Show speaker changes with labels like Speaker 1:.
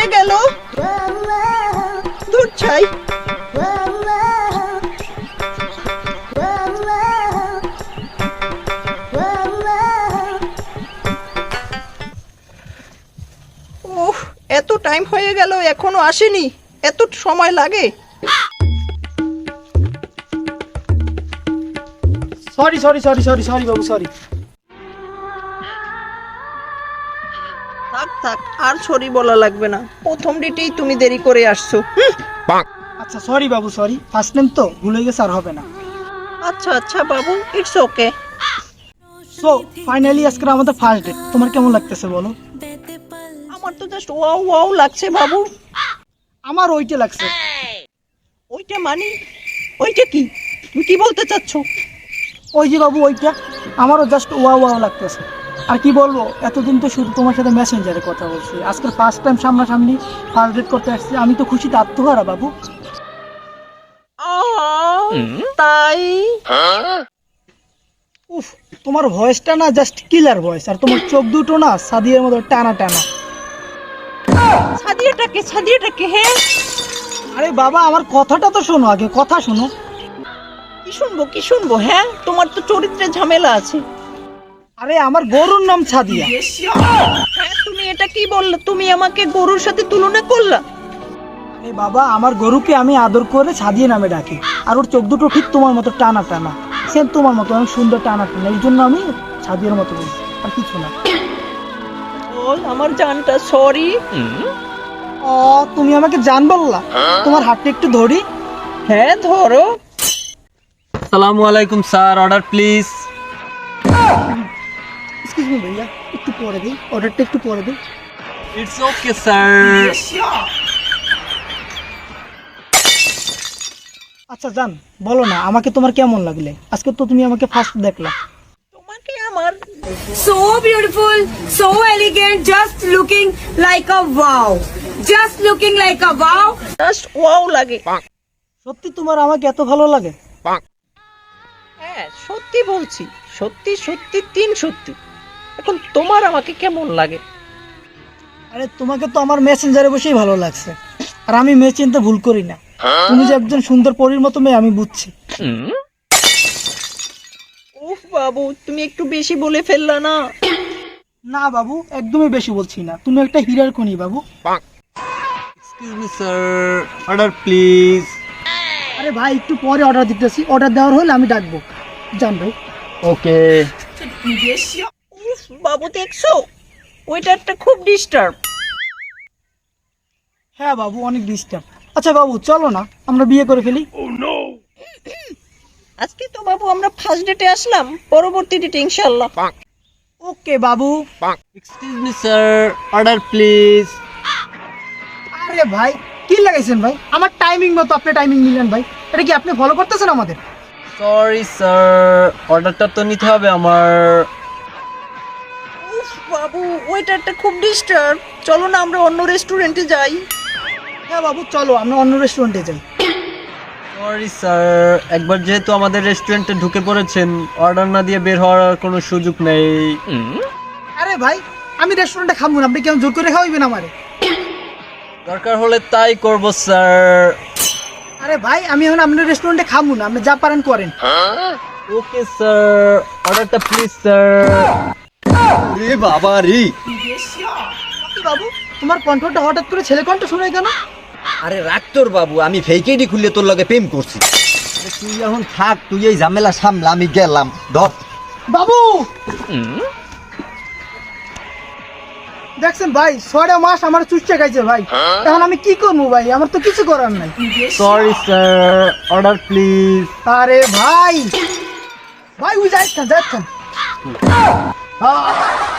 Speaker 1: হয়ে গেল। দূর ছাই। ওহ, এত টাইম হয়ে গেল এখনো আসেনি, এত সময় লাগে?
Speaker 2: Sorry sorry sorry sorry sorry বাবু, সরি।
Speaker 1: থাক থাক, আর সরি বলা লাগবে না, প্রথম ডেটেই তুমি দেরি করে আসছো।
Speaker 2: আচ্ছা সরি বাবু, সরি, ফার্স্ট টাইম তো ভুল হয়ে গেছে, আর হবে না।
Speaker 1: আচ্ছা আচ্ছা বাবু, ইটস ওকে।
Speaker 2: সো ফাইনালি আজকে আমাদের ফার্স্ট ডেট, তোমার কেমন লাগতেছে বলো?
Speaker 1: আমার তো জাস্ট ওয়াও ওয়াও লাগছে বাবু।
Speaker 2: আমার ওইটা লাগছে।
Speaker 1: ওইটা মানে? ওইটা কি? তুমি কি বলতে চাচ্ছ?
Speaker 2: ওই যে বাবু ওইটা, আমারও জাস্ট ওয়াও ওয়াও লাগতেছে। আর কি বলবো, এতদিন তো শুধু তোমার সাথে মেসেঞ্জারে কথা বলছি, আজকে ফার্স্ট টাইম সামনাসামনি ফার্স্ট ডেট করতে আসছি। আমি তো খুশিতে আত্মহারা বাবু।
Speaker 1: তাই?
Speaker 2: উফ, তোমার ভয়েসটা না জাস্ট কিলার ভয়েস, আর তোমার চোখ দুটো না সাদিয়ার মতো টানা টানা।
Speaker 1: সাদিয়াটাকে হ্যাঁ?
Speaker 2: আরে বাবা, আমার কথাটা তো শোনো আগে, কথা শোনো।
Speaker 1: কি শুনবো হ্যাঁ? তোমার তো চরিত্রে ঝামেলা আছে।
Speaker 2: আরে আমার গরুর নাম সাদিয়া।
Speaker 1: হ্যাঁ, তুমি এটা কি বললে? তুমি আমাকে গরুর সাথে তুলনা করলা?
Speaker 2: আরে বাবা, আমার গরুকে আমি আদর করে সাদিয়া নামে ডাকি, আর ওর চোখ দুটো ঠিক তোমার মতো টানা টানা, সেম তোমার মতো অনেক সুন্দর টানা টানা, এই জন্য আমি সাদিয়ার মতো বলছি, আর কিছু না।
Speaker 1: বল আমার জানটা, সরি।
Speaker 2: ও, তুমি আমাকে জান বললা? তোমার হাতটা একটু ধরি।
Speaker 1: হ্যাঁ ধরো।
Speaker 3: আসসালামু আলাইকুম sir, order please.
Speaker 2: Excuse me ভাইয়া, একটু পরে দিই, অর্ডারটা একটু পরে দিই।
Speaker 3: It's okay sir.
Speaker 2: আচ্ছা জান, বলো না, আমাকে তোমার কেমন লাগলে? আজকে তো তুমি আমাকে ফার্স্ট দেখলা।
Speaker 1: তোমাকে আমার
Speaker 4: So beautiful, so elegant, just looking like a wow. Just looking like a wow.
Speaker 1: Just wow লাগে।
Speaker 2: সত্যি তোমার আমাকে এত ভালো লাগে?
Speaker 1: হ্যাঁ সত্যি বলছি, সত্যি সত্যি তিন সত্যি। এখন তোমার আমাকে কেমন লাগে?
Speaker 2: আরে তোমাকে তো আমার মেসেঞ্জারে বসেই ভালো লাগছে, আর আমি মেয়ে চিনতে ভুল করি না। তুমি যে একজন সুন্দর পরীর মতো মেয়ে আমি বুঝছি।
Speaker 1: উফ বাবু, তুমি একটু বেশি বলে ফেললা না?
Speaker 2: না বাবু, একদমই বেশি বলছি না, তুমি একটা হীরার খনি বাবু।
Speaker 3: Excuse me sir, order please.
Speaker 2: আরে ভাই, একটু পরে অর্ডার দিতেছি, অর্ডার দেওয়ার হলে আমি ডাকবো। জান ভাই।
Speaker 3: ওকে।
Speaker 1: উফ বাবু, দেখছো ওয়েটারটা খুব ডিস্টার্ব।
Speaker 2: হ্যাঁ বাবু, অনেক ডিস্টার্ব। আচ্ছা বাবু, চলো না আমরা বিয়ে করে ফেলি।
Speaker 1: আজকে তো বাবু আমরা ফার্স্ট ডেটে আসলাম, পরবর্তী ডেটে ইনশাআল্লাহ।
Speaker 2: ওকে বাবু।
Speaker 3: Excuse me sir, order please.
Speaker 2: আরে ভাই, কি লাগাইছেন ভাই? আমার টাইমিং মতো আপনি টাইমিং নিলেন ভাই, এটা কি আপনি ফলো করতেছেন আমাদের?
Speaker 3: সরি স্যার, অর্ডারটা তো নিতে হবে আমার।
Speaker 1: উফ বাবু, ওয়েটারটা খুব ডিস্টার্ব। চলো না আমরা অন্য রেস্টুরেন্টে যাই।
Speaker 2: হ্যাঁ বাবু, চলো আমরা অন্য রেস্টুরেন্টে যাই।
Speaker 3: সরি স্যার, একবার যেহেতু আমাদের রেস্টুরেন্টে ঢুকে পড়েছেন, অর্ডার না দিয়ে বের হওয়ার কোনো সুযোগ নেই।
Speaker 2: আরে ভাই, আমি রেস্টুরেন্টে খাবো না, আপনি কেমন জোর করে খাওয়াইবেন আমারে?
Speaker 3: দরকার হলে তাই করব স্যার।
Speaker 2: আরে ভাই, আমি এখন আপনার রেস্টুরেন্টে খাবো না, আপনি যা পারেন করেন।
Speaker 3: ওকে স্যার, অর্ডারটা প্লিজ স্যার। রে বাবা রে।
Speaker 2: কি বাবু, তোমার কণ্ঠটা হঠাৎ করে ছেলে কণ্ঠ শুনে কেন?
Speaker 5: আরে রাখ তোর বাবু, আমি ফেকেডি খুলে তোর লগে প্রেম করছি। আরে তুই এখন থাক, তুই এই ঝামেলা সামলা, আমি গেলাম। ধর
Speaker 2: বাবু, দেখছেন ভাই, 6টা মাস আমার চুষে খাইছে ভাই, এখন আমি কি করবো ভাই? আমার তো কিছু করার নাই।
Speaker 3: Sorry sir, order please.
Speaker 2: আরে ভাই, ভাই ওই যাচ্ছেন